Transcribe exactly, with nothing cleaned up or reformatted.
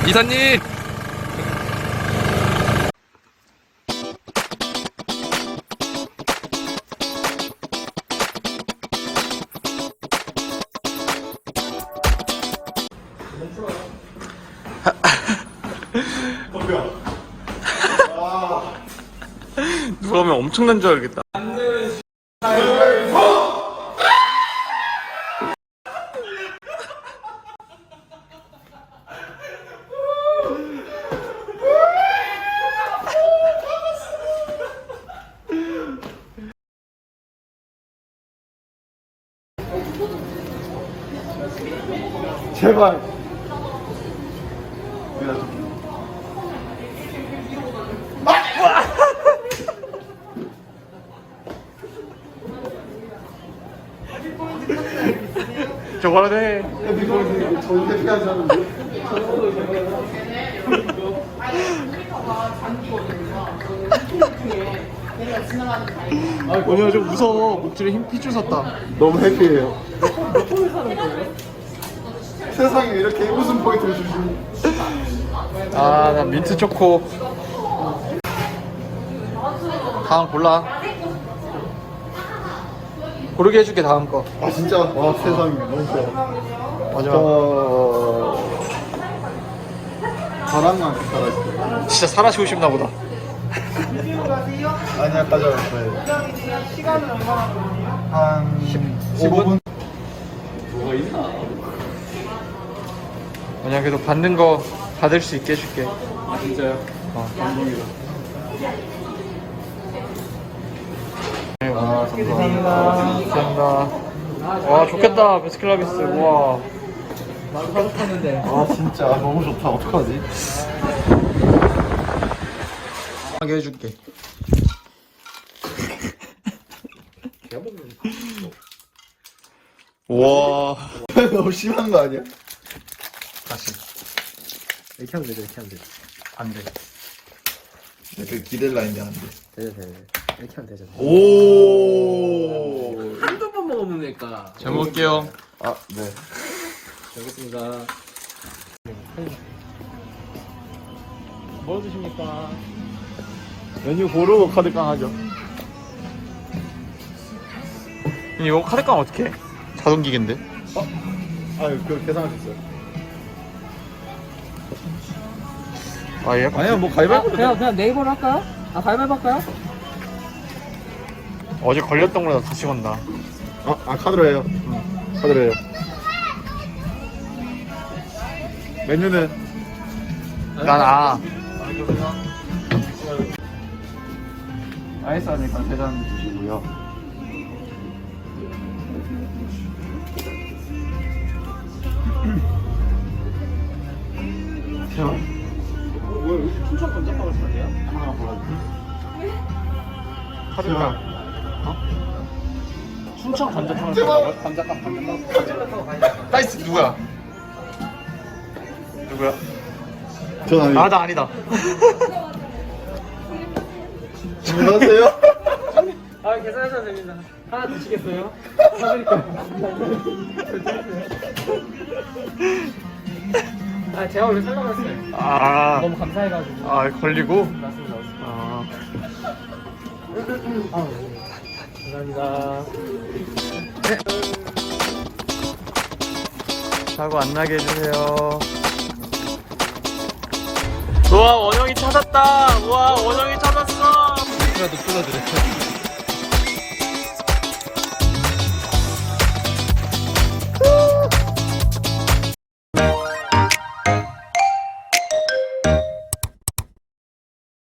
이사님! 누가 오면 엄청난 줄 알겠다. 제발. 저거라도 해. 전 대피하지 않는데. 오늘 좀 무서워. 목줄에 힘 피줄 섰다. 너무 해피해요. 세상에 이렇게 웃음 포인트를 주시니. 아, 나 민트 초코. 다음 골라. 고르게 해줄게, 다음 거. 아 진짜 와 세상에 너무 좋아. 마지막. 저 바람만 살아있어요. 진짜 살아시고 싶나 보다. 아니야 가져갔어요. 시간은 얼마나 걸리요? 한 십오 분? 뭐가 있나? 그냥 계속 받는 거 받을 수 있게 해줄게. 아 진짜요? 어. 감동이다. 아, 감사합니다. 감사합니다. 와, 좋겠다, 베스킨라빈스. 우와. 나도 사고 싶었는데. 아 진짜 너무 좋다. 어떡하지? 하게 해줄게. 와. 너무 심한 거 아니야? 다시. 이렇게 하면 되죠, 이렇게 하면 되죠. 안 돼. 그 기댈 라인데 안 돼. 되죠, 되죠. 이렇게 하면 되죠. 오. 한두 번 먹으면 되니까. 잘 먹을게요. 아 네. 잘 먹겠습니다. 뭐 드십니까? 메뉴 고르고 카드깡 하죠. 이거 카드깡 어떻게 해? 자동기계인데? 아 그 계산할 수 있어요. 아, 얘 아니야 뭐 아, 가위바위보. 그냥, 그냥 네이버로 할까요? 아, 가위바위보 할까요? 어제 걸렸던 거보다 다시 건다. 아, 아 카드로 해요. 카드로 해요. 메뉴는 난 아. 아이스 하니까 대단 주시고요. 뭐야, 여기 춘천 감자빵을 사네요? 하나 골라주세요. 카드깡. 춘천 감자빵을 사라고요? 감자빵, 감자빵. 나이스, 누구야? 누구야? 전 아니에요. 아, 나 아니다. 안녕하세요. 아, 계산하셔도 됩니다. 하나 드시겠어요? 사드릴까요? 아, 제가 원래 살라고 했어요. 아, 너무 감사해가지고. 아, 걸리고? 맞습니다, 맞습니다. 아. 아, 네. 감사합니다. 사고 안 나게 해주세요. 우와, 원영이 찾았다. 우와, 원영이 찾았어. 이라도 뜯어드려요.